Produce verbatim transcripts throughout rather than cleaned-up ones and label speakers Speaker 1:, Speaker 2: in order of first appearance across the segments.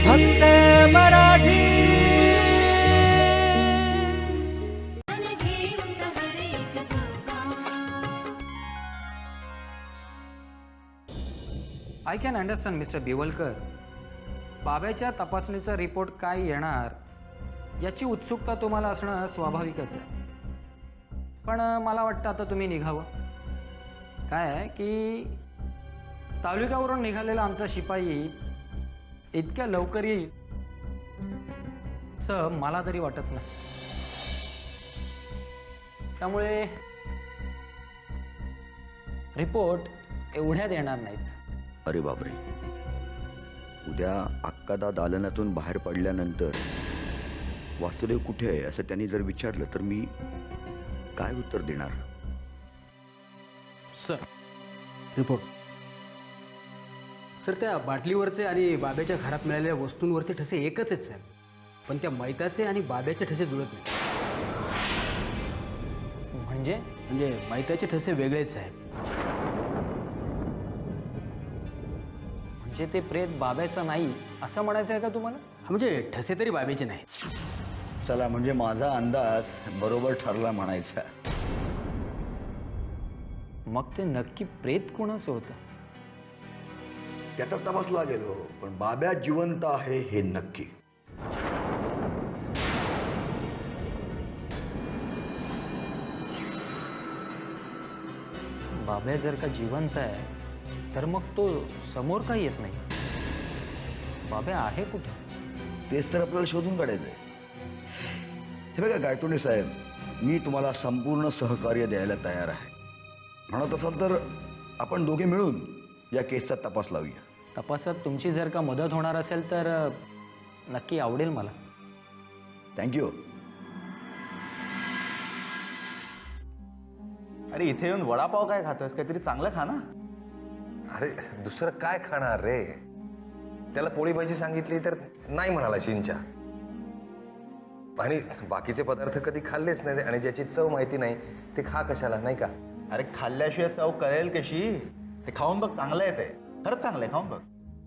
Speaker 1: फक्त Marathi.
Speaker 2: I can understand mister Biwalkar. बाब्याच्या तपासणीचा रिपोर्ट काय येणार याची उत्सुकता तुम्हाला असणं स्वाभाविकच आहे. पण मला वाटतं आता तुम्ही निघावं. काय आहे की तालुक्यावरून निघालेला आमचा शिपाई इतक्या लवकर येईल असं मला तरी वाटत नाही. त्यामुळे रिपोर्ट एवढ्यात येणार नाहीत.
Speaker 3: अरे बापरे, उद्या अक्कादा दालनातून बाहेर पडल्यानंतर वासुदेव कुठे आहे असं त्यांनी जर विचारलं तर मी काय उत्तर देणार?
Speaker 4: Sir report. सर त्या बाटलीवरचे आणि बाब्याच्या घरात मिळालेल्या वस्तूंवरचे ठसे एकच आहेत साहेब, पण त्या मैताचे आणि बाब्याचे ठसे जुळत नाही.
Speaker 2: म्हणजे
Speaker 4: म्हणजे मैताचे ठसे वेगळेच साहेब.
Speaker 2: म्हणजे ते प्रेत बाब्याचं नाही असं म्हणायचं आहे का तुम्हाला?
Speaker 4: हा म्हणजे ठसे तरी बाब्याचे नाहीत.
Speaker 3: चला, म्हणजे माझा अंदाज बरोबर ठरला म्हणायचा.
Speaker 2: मग ते नक्की प्रेत कोणाचं होतं?
Speaker 3: त्याचा तपास लागेल हो, पण बाब्या जिवंत आहे हे नक्की.
Speaker 2: बाब्या जर का जिवंत आहे तर मग तो समोर का येत नाही? बाब्या आहे कुठे?
Speaker 3: तेच तर आपल्याला शोधून काढायचं आहे. हे बघा गायटोडे साहेब, मी तुम्हाला संपूर्ण सहकार्य द्यायला तयार आहे. म्हणत असाल तर आपण दोघे मिळून या केसचा तपास लावूया.
Speaker 2: तपासात तुमची जर का मदत होणार असेल तर नक्की आवडेल मला.
Speaker 3: थँक्यू.
Speaker 5: अरे इथे येऊन वडापाव काय खातोस? काहीतरी चांगलं खा ना.
Speaker 6: अरे दुसरं काय खाणार रे? त्याला पोळी भाजी सांगितली तर नाही म्हणाला शिंच्या. आणि बाकीचे पदार्थ कधी खाल्लेच नाही आणि ज्याची चव माहिती नाही ते खा कशाला, नाही का?
Speaker 5: अरे खाल्ल्याशिवाय चव कळेल कशी? ते खाऊन बघ, चांगलं आहे. ते खरंच चांगलं आहे, खाऊन बघ.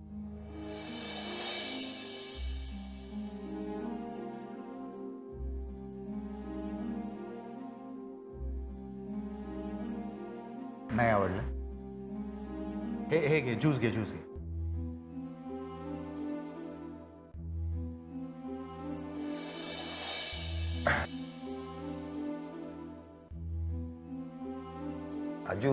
Speaker 5: नाही आवडलं? हे हे घे, ज्यूस घे, ज्यूस घे.
Speaker 6: आजू,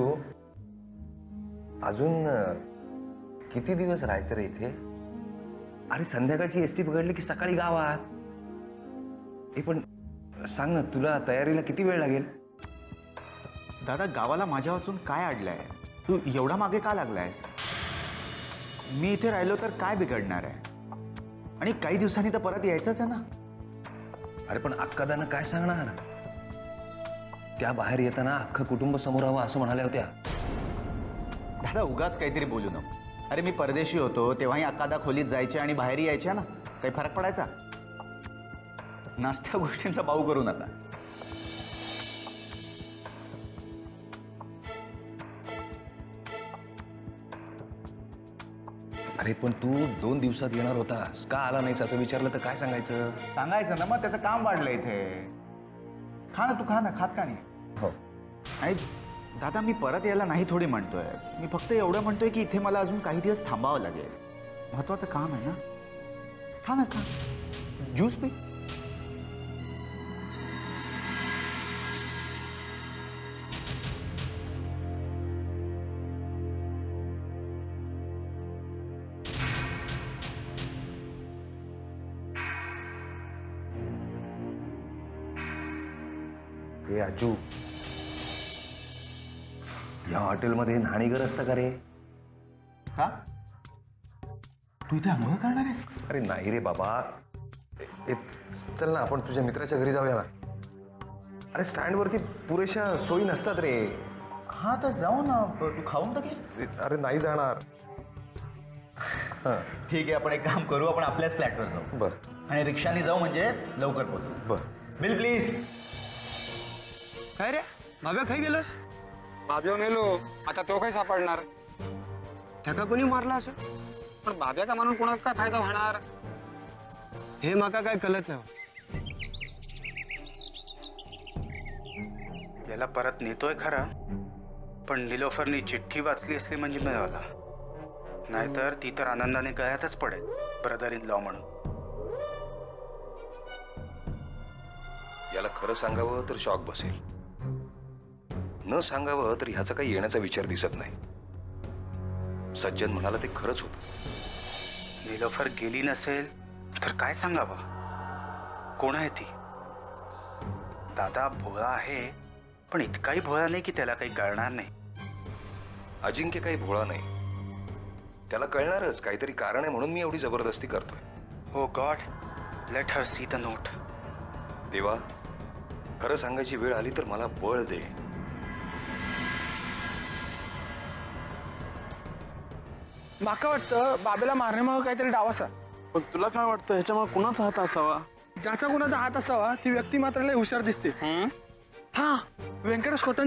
Speaker 6: अजून किती दिवस राहायचं रे इथे? अरे संध्याकाळची एसटी पकडली की सकाळी गावात. हे पण सांग ना, तुला तयारीला किती वेळ लागेल?
Speaker 5: दादा, गावाला माझ्या वाचून काय अडलंय? तू एवढा मागे का लागलायस? मी इथे राहिलो तर काय बिघडणार आहे? आणि काही दिवसांनी तर परत यायचंच आहे ना.
Speaker 6: अरे पण अक्कादानं काय सांगणार? त्या बाहेर येताना अख्खं कुटुंब समोर हवं असं म्हणाल्या होत्या.
Speaker 5: दादा उगाच काहीतरी बोलू नको. अरे मी परदेशी होतो तेव्हाही अक्कादा खोलीत जायचे आणि बाहेर यायच्या ना. काही फरक पडायचा? नाश्त्या गोष्टींचा बाऊ करू नका.
Speaker 6: अरे पण तू दोन दिवसात येणार होतास, का आला नाहीस असं विचारलं तर काय सांगायचं?
Speaker 5: सांगायचं ना, मग त्याचं काम वाढलं इथे. खा ना, तू खा ना. खात का नाही?
Speaker 6: हो.
Speaker 5: आणि दादा मी परत यायला नाही थोडी म्हणतोय. मी फक्त एवढं म्हणतोय की इथे मला अजून काही दिवस थांबावं लागेल. महत्वाचं काम आहे ना. खा ना, खा. ज्यूस पी.
Speaker 6: हे आजू, या हॉटेलमध्ये न्हाणीघर असतं का रे?
Speaker 5: का? तू इथे आंघोळ करणार आहेस?
Speaker 6: अरे नाही रे बाबा. ए, चल ना आपण तुझ्या मित्राच्या घरी जाऊया ना. अरे स्टँडवरती पुरेशा सोयी नसतात रे.
Speaker 5: हा तर जाऊ ना. तू खाऊन टाके.
Speaker 6: अरे नाही जाणार.
Speaker 5: ठीक आहे, आपण एक काम करू. आपण आपल्याच फ्लॅटवर जाऊ.
Speaker 6: बर.
Speaker 5: आणि रिक्षाने जाऊ म्हणजे लवकर पोहोचू.
Speaker 6: बर.
Speaker 5: Bill please.
Speaker 7: काय रे बाब्या खाई गेलोस?
Speaker 8: बाब्या मेलो, आता तो काय सापडणार?
Speaker 7: त्याका कोणी मारला असं?
Speaker 8: पण बाब्याचा म्हणून कोणाचा काय फायदा होणार?
Speaker 7: हे माका काय कळत नाही.
Speaker 9: याला परत नेतोय खरा, पण निलोफरनी चिठ्ठी वाचली असली म्हणजे मिळवला, नाहीतर ती तर आनंदाने गळ्यातच पडेल ब्रदर इन लॉ म्हणून.
Speaker 6: याला खरं सांगावं तर शॉक बसेल, न सांगावं तर ह्याचा काही येण्याचा विचार दिसत नाही. सज्जन म्हणाला ते खरंच होतं.
Speaker 9: निलोफर गेली नसेल तर काय सांगावं? कोण आहे ती? दादा भोळा आहे, पण इतकाही भोळा नाही की त्याला काही कळणार नाही.
Speaker 6: अजिंक्य काही भोळा नाही, त्याला कळणारच काहीतरी कारण आहे म्हणून मी एवढी जबरदस्ती करतोय.
Speaker 9: Oh God, let her see the note.
Speaker 6: देवा, खरं सांगायची वेळ आली तर मला बळ दे.
Speaker 8: माका वाटतं बाबेला मारण्यामागं काहीतरी डाव असा. पण तुला काय वाटतं ह्याच्यामागे कुणाचा हात असावा? ज्याचा कुणाचा हात असावा ती व्यक्ती मात्र लय हुशार दिसते. हा, व्यंकटेश खोतांची